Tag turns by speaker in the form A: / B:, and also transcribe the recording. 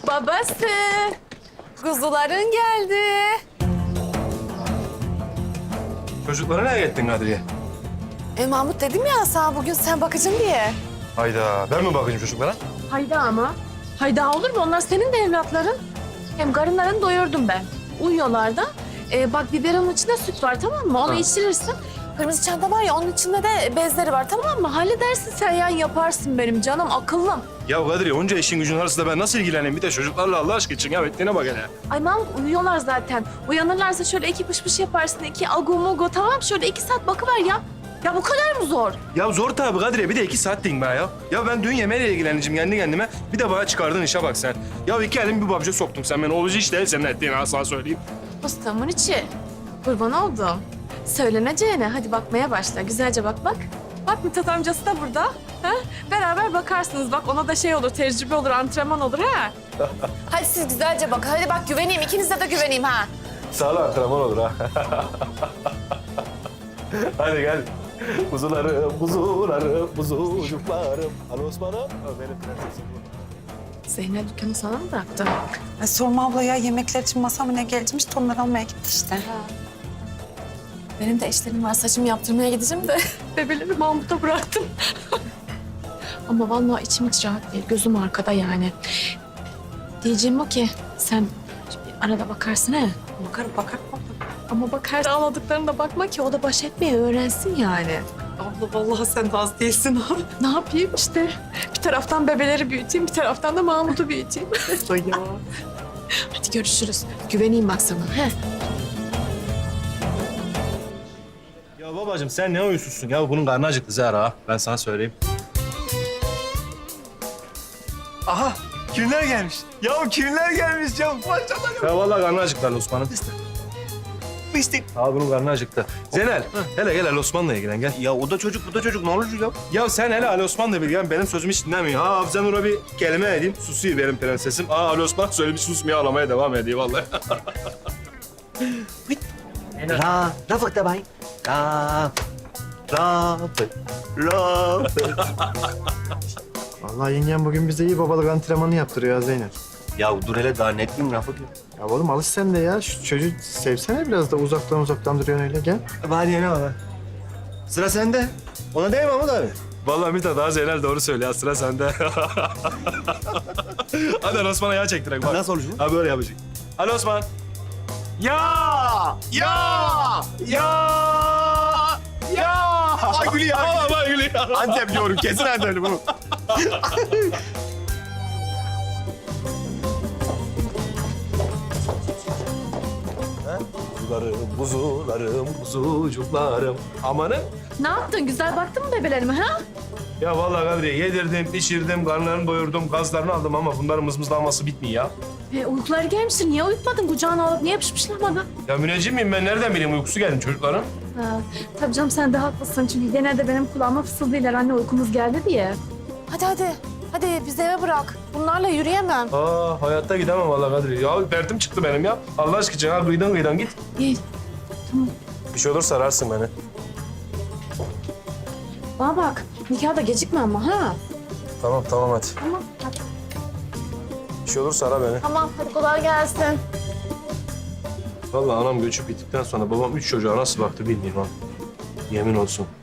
A: Babası, kuzuların geldi.
B: Çocuklara nereye gittin Kadriye?
A: Mahmut dedim ya sana bugün sen bakacaksın diye.
B: Hayda, ben mi bakayım çocuklara?
A: Hayda ama. Hayda olur mu? Onlar senin de evlatların. Hem karınlarını doyurdum ben. Uyuyorlar da. Bak biberonun içinde süt var tamam mı? Onu içirirsin. Kırmızı çanta var ya onun içinde de bezleri var tamam mı? Halledersin sen ya yaparsın benim canım akıllım.
B: Ya Kadriye, onca işin gücün arasında ben nasıl ilgileneyim? Bir de çocuklarla Allah aşkına için ya. Ettiğine bak hele.
A: Ay Mahmut uyuyorlar zaten. Uyanırlarsa şöyle iki pış pış yaparsın. İki agu mugu tamam şöyle 2 saat bakıver ya. Ya bu kadar mı zor?
B: Ya zor tabii Kadriye, bir de 2 saat diyeyim ben ya. Ya ben dün yemeğiyle ilgileneceğim kendi kendime. Bir de bana çıkardığın işe bak sen. Ya 2 elim bir babca soktun sen beni. Olucu iş değil senin ettiğin, ha sana söyleyeyim.
A: Ustamın içi. Kurban oldum. Söyleneceğine hadi bakmaya başla. Güzelce bak bak. Bak Mithat amcası da burada. Ha? Beraber bakarsınız. Bak ona da şey olur, tecrübe olur, antrenman olur ha. Hadi siz güzelce bak. Hadi bak güveneyim. İkinize de güveneyim ha.
B: Sağ ol, antrenman olur ha. Hadi gel. Kuzularım, kuzularım, kuzucuklarım. Al Osman'ım. Benim prensesim bu.
A: Zeynep dükkanı sana mı bıraktı?
C: Sorma abla ya yemekler için masama ne geleceğimiş onları almaya gitti işte.
A: Benim de işlerim var. Saçımı yaptırmaya gideceğim de bebeleri Mahmut'a bıraktım. Ama vallahi içim hiç rahat değil. Gözüm arkada yani. Diyeceğim o ki sen bir arada bakarsın he.
C: Bakarım bakarım.
A: Ama bakarsın anladıklarına da bakma ki o da baş etmeyi öğrensin yani.
C: Abla vallahi sen de az değilsin ha.
A: Ne yapayım işte? Bir taraftan bebeleri büyüteyim, bir taraftan da Mahmut'u büyüteyim.
C: ya.
A: Hadi görüşürüz. Güveneyim bak sana. He.
B: Ya babacığım sen ne uyusuzsun ya? Bunun karnı acıktı Zehra ha. Ben sana söyleyeyim. Aha! Kimler gelmiş? Ya kimler gelmiş ya? Maşallah. Ya vallahi karnı acıktı Ali Osman'ın.
D: Pislik.
B: Abi bunun karnı acıktı. Zenel, hele gel Ali Osman'la ilgilen gel.
D: Ya o da çocuk, bu da çocuk. Ne olacak ya?
B: Ya sen hele Ali Osman'la ilgilen, benim sözümü hiç dinlemiyor. Ha Hafıza Nur'a bir kelime edeyim, susuyor benim prensesim. Ali Osman söylemiş, susmaya ağlamaya devam ediyor vallahi.
D: Rafık da bay. Rafık.
E: Vallahi yengem bugün bize iyi babalık antrenmanı yaptırıyor ya Zeynep.
D: Ya dur hele daha net miyim Rafık ya?
E: Ya oğlum alış sen de ya. Şu çocuğu sevsene biraz da uzaktan duruyorsun öyle gel.
D: Hadi yine baba. Sıra sende. Ona değil mi Mahmut abi?
B: Vallahi Mithat daha Zeynel doğru söylüyor. Sıra sende. Hadi Ali Osman'a yağ çektirek bak.
D: Nasıl olacak?
B: Ha böyle yapacak. Ali Osman. Ya!
D: Ay gülüyor.
B: Vallahi gülüyor.
D: Antep diyorum. Kesin Antep'li bu.
B: Kuzularım, kuzucuklarım. Amanın.
A: Ne yaptın? Güzel baktın mı bebelerime ha?
B: Ya vallahi Kadriye yedirdim, pişirdim, karnlarını doyurdum, gazlarını aldım ama bunların mızmızlanması bitmiyor ya.
A: Uykuları gelmiştir. Niye uyutmadın? Kucağına alıp niye yapışmışlar bana?
B: Ya müneccim miyim ben? Nereden bileyim uykusu geldi çocukların?
A: Ha, tabii canım sen de haklısın. Çünkü genelde benim kulağıma fısıldıyorlar anne uykumuz geldi diye. Hadi hadi. Hadi bizi eve bırak. Bunlarla yürüyemem.
B: Hayatta gidemem vallahi Kadriye. Ya derdim çıktı benim ya. Allah aşkına ha kıyıdan git.
A: İyi.
B: Bir şey olursa ararsın beni.
A: Bana bak. Nikah da gecikme ama ha.
B: Tamam hadi.
A: Tamam. Hadi.
B: Bir şey olursa ara beni.
A: Tamam. Hadi kolay gelsin.
B: Vallahi anam göçüp gittikten sonra babam 3 çocuğa nasıl baktı bilmiyorum ha. Yemin olsun.